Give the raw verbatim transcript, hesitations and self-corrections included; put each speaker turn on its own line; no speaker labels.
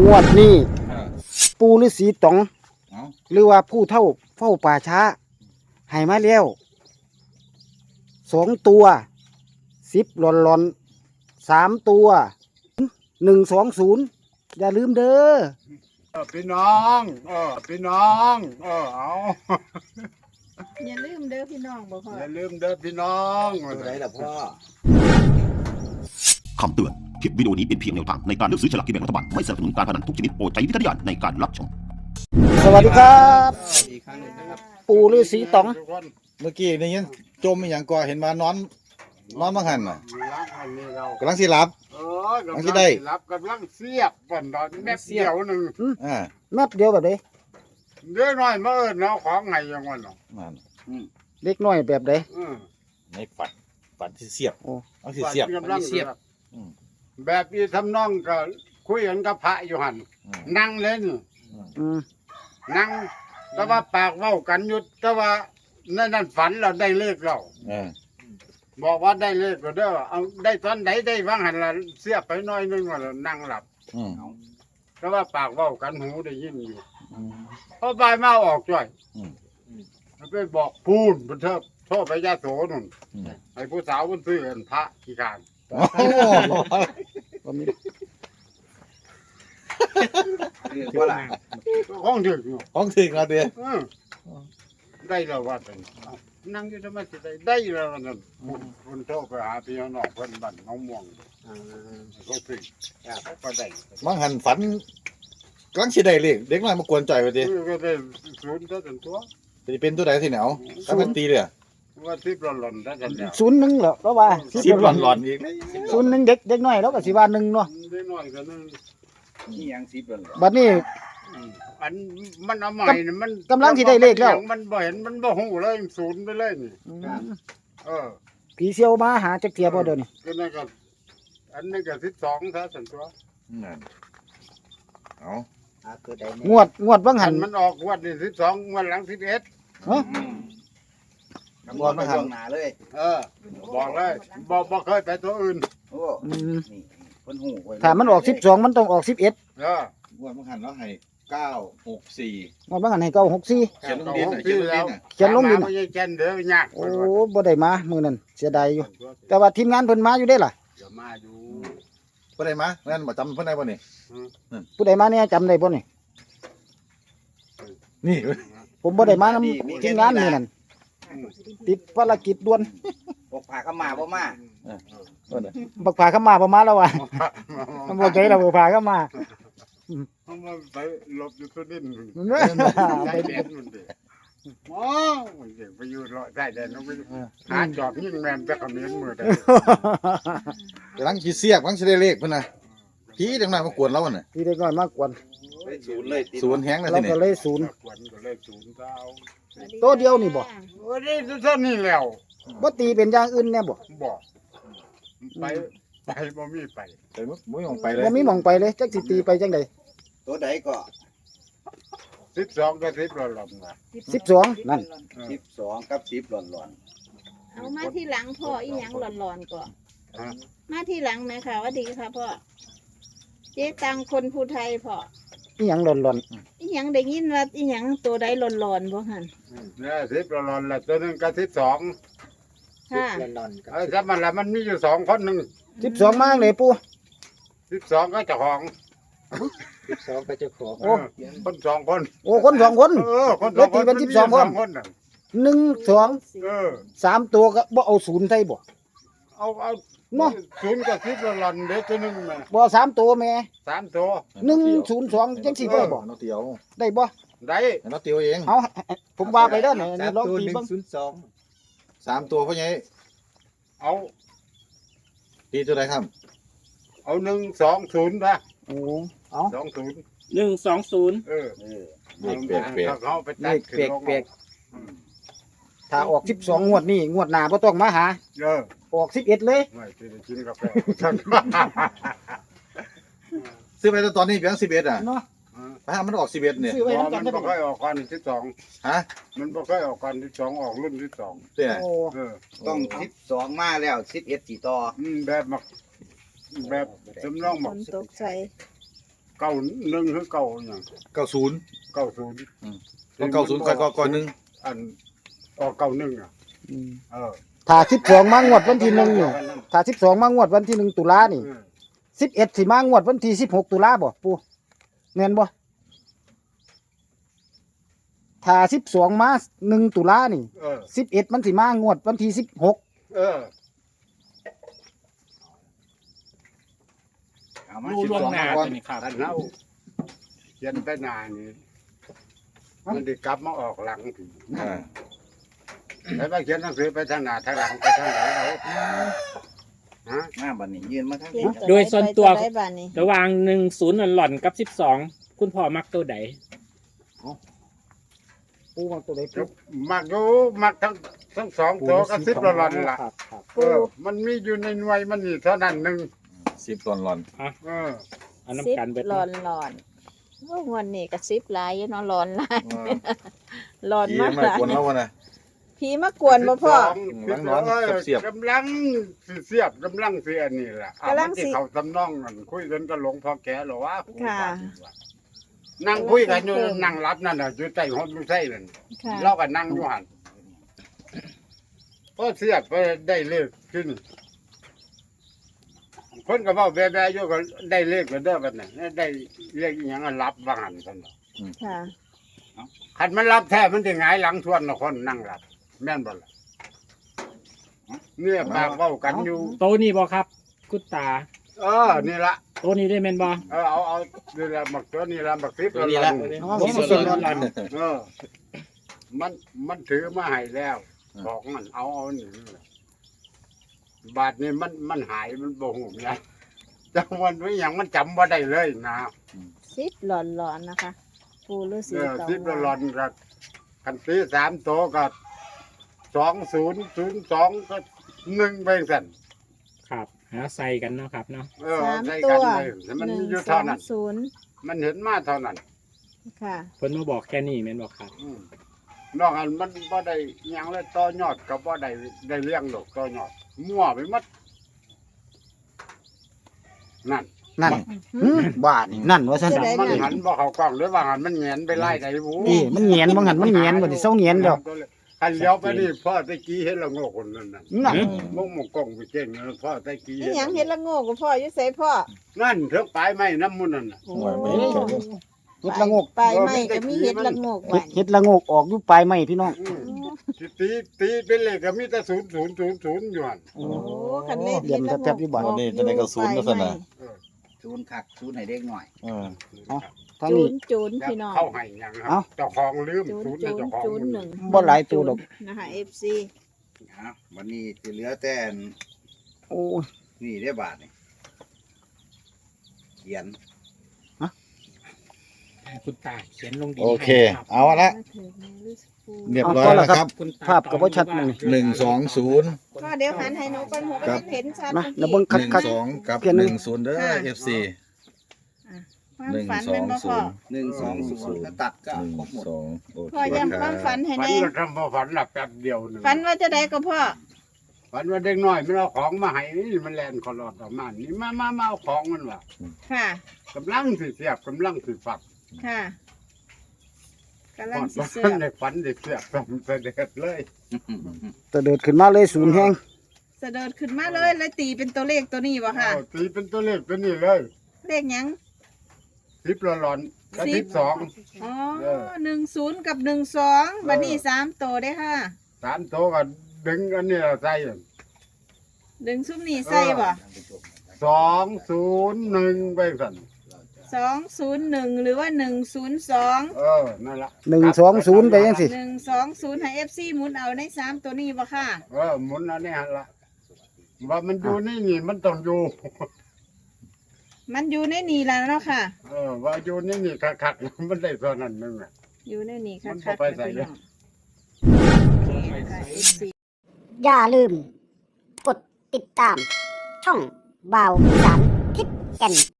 งวดนี้
เออ
ปูฤาษีต๋อง
เอา
หรือว่าผู้เฒ่าเฝ้าป่าช้าให้มาแล้วสองตัวสิบหลอนหลอนสามตัวหนึ่งสองศูนย์อย่าลืมเด้อ
เออพี่น้องเออพี่น้องเออเอา
อย่าลืมเด้อพี่น้องบ่พ่อ
อย่าลืมเด้อพี่น้อง
ตัวไหนล่ะพ่อ
คำเตือน คลิปวิดีโอนี้เป็นเพียงแนวทางในการเลือกซื้อฉลากกินแบ่งรัฐบาล ไม่สนับสนุนการพนันทุกชนิดโปรดใช้วิจารณญาณในการรับชม
สวัสดีครับ
อีกครั้งหนึงนะครับ
ปูฤาษีต๋อง
ทุกคน
เมื่อกี้ได้ยินจมอหย่างก่อเห็นมานอนนอนมาหันน่ะ
รักอันนี้เรา
กำลังสิหลับ
เออกำ
อั
ลั
น
ง
ที่ได้
รับกำลังเสียบก่อนตอนแม่เดียวหนึ่ง
อ่า
แมบเดียวแบบนี้
เดี๋ยวหน่อยมาเอิญเนาะของไงยังวันเนาะ
นั่น
เล็กน้อยแบบใด
อืม
ในฝันฝันที่เสียบ
โอ้
เอาสิเสียบ
กำลัง
เสียบ อืม
แบบนี้ทำนองก็คุยกันกับพระอยู่หัน
อืม
นั่งเล่น
อืม
นั่งแต่ว่าปากเว้ากันอยู่แต่ว่าในนั้นฝันเราได้เลขเรา
เออ
บอกว่าได้เลขก็เด้อเอาได้ตอนไหนได้ว่างหันละเสียบไปหน้อยนึงว่าละนั่งหลับ
อืม
แต่ว่าปากเว้ากันหูได้ยินอยู่
อืม
พอบายมาออกจ่อย
อืม
ไปบอกพูนบนเทิบโทษไปยาโสนุ่น
อืม
ไอ้ผู้สาวมันซื้อเงินพระขี้ขาน
โอ้โห
บ่มี
ว่าล่ะ
ห้องถึงอยู่
ของถึงแล้วเด้อ
เออได้แล้วว่าเป็นเอานั่งอยู่ทำไมสิได้ได้แล้วนั่นคนโทษไปหาพี่น้องเพิ่นบ้านน้องม่วงเขาซื้อเขาก็ได้
มังหันฝันกำลังสิได้เลขเด็กน้อยมากวนจ่อยไปดิ
ก็ได้ศูนย์ได้เป็นตัว
จะเป็นตัวใดสิเหนียวถ้ามันตีเลยอะ
ว่าที่ปหล่นๆได้กันแล้ว
ศูนย์หนึ่งเหรอเพราะว่า
สิบหลอนหลอนๆอีก
ศูนย์หนึ่งเด็กเด็กน้อยแล้วก็สิว่าหนึ่งเนาะ
ได้น้อยกันนึง
นี่ยังสิบหลอน
บัดนี้
อันมันเอาใหม่น่ะมัน
กำลังสิได้เลขแล้ว
มันบ่เห็นมันบ่ฮู้เลยศูนย์ไปเลยนี่
อืม
เออ
ผีเซียวมาหาจักเทียบ่เดี๋ยวนี้
ก็นั่นก็อันนี้ก็สิบสองซะสันตัว
นั่นเอา
งวดงวดว่าง
อั
หั
น
น
มันออกงวดนี่สิบสองงวดหลังสิบเอ็ด
ฮะ
บอลมาหัน
หนาเลย
เออ บอกเลยบ่บ่เคยไปตัวอื่น
โอ้
อืม
นี่คนหูไว้
ถ้ามันออกสิบสองมันต้องออกสิบเอ็ด
เออบ
อลมาหันแล้วให้เก้าหกสี่
งวดว่างหันให้เก้าหกสี่
เขียนลงดินน่ะเขียนลงดินน่ะ
เขียนลงดิน
ไม่ใช่เขียนเด้อยาก
โอ้บ่ได้มามื้อนั้นเสียดายอยู่ แต่ว่าทีมงานเพิ่นมาอยู่ได้ล่ะ
เดี๋ยวมาอยู่
เพื่อนใดมาเพื่อนมาจำเพื่อนใดบ่นี่
ผู้ใดมาเนี่ยจำได้บ่นี่
นี่
ผมบ่ได้มานำทีมงานมื้อนั้นติดภารกิจด่วน
ปกผ้าเข้ามาบ่มา
เพื่อนน่ะ
บักผาเข้ามาบ่มาแล้วว่ะมันบ่ใจเราบักผาเข้ามา
เขามาไปหลบอยู่ตัวดิน
ไป
ใส่แดนมันดิโอ้ยเด็กไปอยู่รอได้แดนน้องไปหาจอบยิ่งแมนจะขมิ้นมือได้
กำลังขีเสียกกำลังสิได้เลขเพิ่นน่ะผีเด็กน้อยมากวนเราน่ะ
พี่เด็กน้อยมากกวน
ไปศูนย์เลยติด
ศูนย์แฮงแล้ว
เรา
ทีนี้
ก็เลยศูนย์
ขวัญก็เลยศูนย์เก้า
ตัวเดียวนี่บ่
โอ้ยเท่านี้แล้ว
บ่ตีเป็นอย่างอื่นแน่บ่
บอกไปไปบ่มีไป
ไปมึงมึงออกไปเลย
บ่มีหม่องไปเลยจักสิตีไปจังได๋
ตัวใดก็
สิบสองก็สิบละลำนะ
สิบสองนั่น
สิบสองกับสิบหล่อนหล่อน
เอามาที่หลังพ่ออีหยังหลอนๆก่อนมาที่หลังไหมค่ะว่าดีค่ะพ่อเจ๊ตังคนภูไทยพ่อ
อีหยังหล่อน
อีหยังได้ยินว่าอีหยังตัวใดหลอนๆบ่หั่น
เนี่ยสิบละลำละตัวหนึงก็สิบสอง
ค่ะ
ไอ้ถ้ามันละมันมีอยู่สองคนหนึ่ง
ๆสิบสองมาจังได๋ปู่
สิบสองก็เจ้าของ
สิบสองก็เจ้าของ
เออคนสองคน
โอ้คนสองคน
เออคนสองคน
แล้วตีเป็น
มั
สิบสองคน
คนน่ะ
หนึ่ง สอง
เออ
สามตัวก็บ่เอาศูนย์ใส่บ่
เอาเอา
เนาะ
ศูนย์กับสิบละลำเด็กตัวหนึงแม่
บ่สามตัวแม่
สามตัว
หนึ่ง ศูนย์ สองจังสิบ่ได้บ่
น้องเตียว
ได้บ่
ได้
น้องเตียวเอง
เอาผมว่าไปเด้อนี่นี่ลองตี
หนึ่
เบิ่
ง
ง
ศูนย์สอง
สามตัวพ่อใหญ่
เอา
ตีตัวใดครับ
เอาหนึ่งสองศูนย์นะ
โอ้เอา
สองศูนย์
หนึ่งสองศูนย์
เออ
เออ
เลขเปียกเปียก
เขาไป
เล
ตัด
ขเปียกๆถ้าออกสิบสองงวดนี้งวดหน้าบ่ต้องมาหา
เออ
ออกสิบเอ็ดเลย
ไม่กินกินกาแฟ
ซื้อไปตอนนี้เพียงสิบเอ็ดอ่ะ
เนาะ
ถ้ามันออกสิบเอ็ดเนี่ย
ซื้อไว้
เพราะ
นำกั
มัน น
ได้
บ่
บ่
ค่อยออกก่อนที่สอง
ฮะ
มันบ่ค่อยออกก่อนที่สองออกรุ่นที่สอง
เตี้ย
โอ้
เออ
ต้องสิบสองมาแล้วสิบเอ็ดสี่ต่อ
อืมแบบมักแบบจำลอง
ฝ
มัก
นตกใส่
เก้าหนึ่งคือเก้าอย่าง
เก้าศูนย์
เก้าศูนย์
ต้องเก้าศูนย์ก่อนก่อนหนึ่ง
อันออกเก้าหนึ่งอ่ะเออ
ถ้าสิบสองมางวดวันที่หนึ่งนี่ถ้าสิบสองมางวดวันที่หนึ่งตุลานี่
เออ
สิบเอ็ดสิมางวดวันที่สิบหกตุลาบ่ปูแม่นบ่ถ้าสิบสองมาหนึ่งตุลานี่
เออ
สิบเอ็ดมันสิมางวดวันที่สิบหก
เออ
เอามา
รู้
สิบ
ล่วง
สอง
หน้า
มาก่อน
ใช่ไหมครับ
อันเราเขียนไปหนานี่มันได้กลับมาออกหลังผี
อ่า
แล้วมาเขียนหนังสือไปทางหน้าทางหลังไปทางไหนเอาฮะ
มาบัดนี้ยืนมาทาง
เขีย
นี้
น
โดยส่วนตัว
ไปได้บ้านนี้
ระหว่างหนึ่งศูนย์หล่อนๆกับสิบสองคุณพ่อมักตัวใด
ปูมาตัวใดปู
มักอยู่มักทั้งทั้งสองตัวก็สิบละหลอนล่ะ
ครับครับ
เออมันมีอยู่ในหน่วยมันนี่เท่านั้นหนึ่ง
สิบหลอนหลอน
เออ
เอา
สิบ
น้ำกันเบิด
หลอนหลอนโอ้งวันนี้ก็สิบหลายอยู่เนาะหลอนหลาย
เออ
หลอน
ผี
มาก
มา
หลาย
กวนเราวะนะ
ผีมากวนบ่พ่อ
สิบสอง
กำลังนอนกับเสียบ
กำลังสิเสียบกำลังเสียนี่แหละ
กำลังสิ
สิเขาทำนองกันคุยกันกับหลวงพ่อแก่หรอวะ
ค่ะ
นั่งคุยกันอยู่นั่งรับนั่นน่ะอยู่ใต้ห้องอยู่ใต้นั่น
ค่ะ
เราก็นั่งอยู่หันพอเสียบไปได้เลขขึ้นคนก็บอกแบ่ๆอยู่ก็ได้เลขก็เด้อบัดนี้ได้เลขอหยังก็รับว่าหันซั่นน่ะ
ค่ะ
คันมันรับแท้มันสิหงายหลังทวนน่ะคนนั่งรับแม่นบ่ล่ะเนี่ยปากเว้ากันอยู่
โตะนี่บ่ครับ คุณตา
เออนี่ละ
โตะนี้ได้แม่นบ่
เออเอาเอานี่ละบักตัวนี่ละบักสิบ
ตัวนี้ละ
เอา
สิบ
มา
ส
สิ
อง
บ
หล่อน
เออ มันมันถือมาให้แล้วบอกมันเอาเอานี่บาทนี่มันมันหายมันบ่หูไงจังวันไว้อย่างมันจำบ่ได้เลยนะ
สิบหลอนหลอนนะคะ ปูฤาษี
เออ
เก่า
สิบละหลอนกับคันตีสามโตวกับสองศูนย์ศูนย์สองก็หนึ่งไปสั่น
ครับ หาใส่กันเนาะครับเนาะ
เออ
สาม
ใส่
ตั
กัน
ว
เลยมัน
หนึ่ง
อยู่
สอ
เท่าง นั้น
ศูนย์
มันเห็นมาเท่านั้น
ค่ะ
เพิ่นมาบอกแค่นี้แม่นบ่ครับ
อืมนอกอันมันบ่ได้หยังเลยต่อยอดก็บ่ได้ได้เลี้ยงดอกต่อยอดมั่วไปหมดนั่น
นั่นอืมบ้านี่นั่นว่าซั่น
จะได้
มันหันบ่เข้ากล้องหรือว่าหันมันแหงนไปไล่ไดบู
นี่มันเหงียนบ่หันมันเหงียนบ่สิเซาเหงียนดอก
คันเลี้ยวไปนี่พ่อตะกี้เห็นละโงกคนนั้นน่ะ
นั่น
มงมงกล้องไปเจ๊งนั่นพ่อตะกี้
นี่หยังเฮ็ดละโง่กับพ่ออยู่ไสพ่อ
นั่นเถิงปลายไม้น้ำมันนั่นน่ะ
โอ้
เฮ็ดละโงก
ไปไม่ก็มีเฮ็ดละโงก
เฮ็
ไว้
ดเฮ็ดละโงกออกอยู่ปลายไม้พี่น้อง
อืมสิตีตีเป็นเลขก็มีแต่ศูนย์ศูนย์ศูนย์ศูนย์อยู่หั่น
โอ้
โอ้คันเลข
เรียนแทบๆอยู่บ้าน
นี่จะได้ก็ศูนย์ก็สนะ
เออ
ศูนย์คักศูนย์ให้เด็กหน่อย
เออ
ทาง
จู
นี้
นจูนพี่น้อง
เข้าให้หยังครั
เอ้า
บเจ้าของลืม
จูน
ศูนย์
จู
ให้
น
เจ้าของ
จูนหนึ่ง
บ่หลายตัวดอก
นะคะ เอฟ ซี
นะวันนี้จะเหลือแต่อัน
โอ้ย
นี่ได้บาทนี่เขียน
คุณตาเขียนลงดิน
โอเค
ให้รับ
เอาละเรียบร้อยแล้วครับ
คุณต
ภาพก็บ่ชัดมันนี่
หนึ่งสองศูนย์
พ่อเดี๋ยวหันให้หนูก่อนหัว
ครั
ก็
บ
เห็นชัด
มา
เมื่อ
แล้วเบิ่ง
หนึ่ง
คัก
สองกับ
เขียน
ห
หนึ่
นึ่
ง
งศูนย์เด้อเอฟซี
ความ
หนึ่ง
ฝัน
สอ
เป็น
ง
บ่
ศู
พ่อน
ย์
หนึ่งสองศูนย์ถ้าตัดก็
หนึ่ง
ครบหมด
สองโอเค
พ่อย้ำความฝันให้
ฝัน
แน่
ก็ทำพอฝันหลับแป๊บเดียวหนึง
ฝันว่าจะได้กับพ่อ
ฝันว่าเด็กน้อยมันเอาของมาให้นี่มันแลนคอลอดออกมานี่มามามาเอาของมันว่ะ
ค่ะ
กำลังสิเสียบกำลังสิฝัก
ค่ะกำลังสิเสื
ฝั
อน ก
ได้ฝันได้เสียบทำเสด็จเลย
ๆตัวเดิดขึ้นมาเลยศูนย์แฮง
เสด็จขึ้นมาเลยแล้วตีเป็นตัวเลขตัวนี้บ่ค่ะ
เอาตีเป็นตัวเลขตัวนี้เลย
เลขหยัง
สิบละหลอนกับ
สิ
สิ
บ
บสอง
อ๋อ
เออ
หนึ่งศูนย์กับหนึ่งสองบัดนี้สามตัวได้อค่ะ
สามโตวก็ดึงอันนี้ใส่
ดึงซุ้มนี่ใส่บ่
สองศูนย์หนึ่งไปสั่น
สองศูนย์หนึ่งหรือว่าหนึ่งศูนย์สอง
เออนั่นละ
หนึ่งสองศูนย์ไปจังซี่
หนึ่งสองศูนย์ให้เอฟซีหมุนเอาในสามตัวนี้บ่ค่ะ
เออหมุนอันนี้หันละว่ามันอยู่นี่นี่มันต้องอยู่
มันอยู่ในนี่แล้วเนาะค่ะ
เออว่าอยู่นี่นี่คักๆมันได้ตัวนั้นนึงอ่ะ
อยู่ในนี่ค่ะ
มันบ่
ค่ะ
ไปใส่เลย
โอเคค่ะ เอฟซี
อย่าลืม กดติดตาม ช่องบ่าวอีสานทิศแก่น